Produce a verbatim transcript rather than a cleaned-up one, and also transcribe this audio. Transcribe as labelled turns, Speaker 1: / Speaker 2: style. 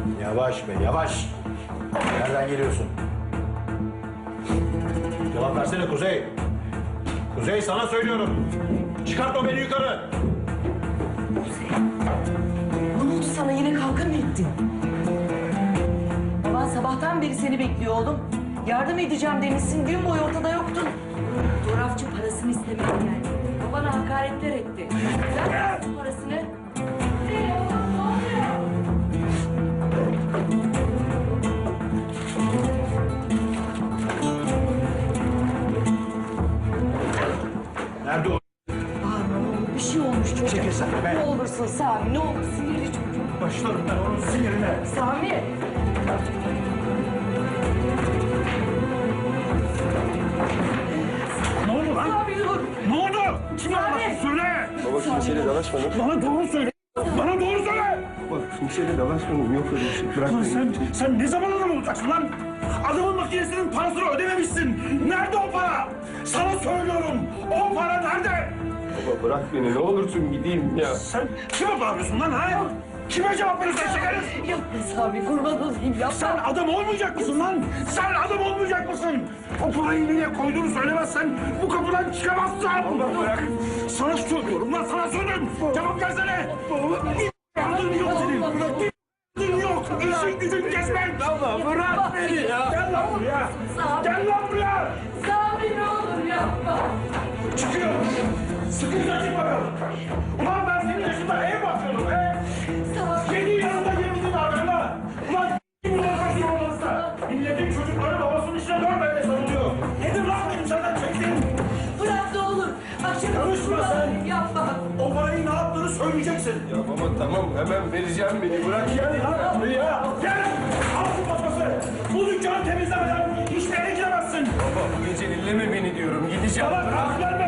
Speaker 1: Yavaş be, yavaş. Nereden geliyorsun? Cevap versene Kuzey. Kuzey, sana söylüyorum. Çıkartma beni yukarı.
Speaker 2: Ne oldu sana? Yine kavga mı ettin? Baban sabahtan beri seni bekliyor oğlum. Yardım edeceğim demişsin, gün boyu ortada yoktun. Fotoğrafçı parasını istemeye geldi. Babana hakaretler etti. Ver parasını.
Speaker 1: Nerede o?
Speaker 2: Bağırma ne olur, bir şey olmuş çocuğa.
Speaker 1: Çekil sen de be.
Speaker 2: Ne olursun Sami, ne olur, sinirli çocuk.
Speaker 1: Başlarım ben onun sinirine.
Speaker 2: Sami!
Speaker 1: Ne oldu lan?
Speaker 2: Sami dur!
Speaker 1: Ne oldu? Kim
Speaker 2: Sami!
Speaker 1: anlattı? Söyle.
Speaker 3: Baba kimseyle dalaşmadım.
Speaker 1: Bana doğru söyle. Bana doğru söyle.
Speaker 3: Bak kimseyle dalaşmadım. Yok öyle bir şey. Bırak
Speaker 1: Lan
Speaker 3: beni.
Speaker 1: sen, sen ne zaman adam olacaksın lan? Adamın makinesinin parasını ödememişsin. Nerede o para? Sana söylüyorum. O para nerede?
Speaker 3: Baba bırak beni. Ne olursun gideyim ya.
Speaker 1: Sen kime bağırıyorsun lan ha? Kime cevap verirsen çekeriz?
Speaker 2: Yapma Sami, kurban olayım yapma.
Speaker 1: Sen adam olmayacak mısın lan? Sen adam olmayacak mısın? O parayı nereye koyduğunu söylemezsen bu kapıdan çıkamazsın.
Speaker 3: Allah bırak.
Speaker 1: Sana söylüyorum lan, sana söylüyorum. Cevap versene. Adın yok senin. Adın yok. İşin gücün gezmek.
Speaker 3: Baba bırak beni ya.
Speaker 1: Gel lan buraya. Gel lan buraya.
Speaker 2: Sami ne olur yapma.
Speaker 1: Çıkıyor. Sıkınca çık bakalım. Ulan ben senin yaşında ev bakıyorum be. Senin yanında yerimizin ardında. Ulan kimin olmasın olmazsa. Milletin çocukları babasının işine dönmemeye sarılıyor. Nedir lan benim senden çektiğim?
Speaker 2: Bırak ne olur. Bak şimdi
Speaker 1: Karışma
Speaker 2: kurban
Speaker 1: sen.
Speaker 2: olayım, yapma.
Speaker 1: O parayı ne yaptığını söyleyeceksin.
Speaker 3: Ya baba tamam hemen vereceğim beni. Bırak ya.
Speaker 1: Gel lan buraya. Gel. Al şu paspası. Bu dükkanı temizlemeden hiçbir yere giremezsin.
Speaker 3: Baba bu gece dinleme beni diyorum. Gideceğim.
Speaker 1: Bana kalk verme.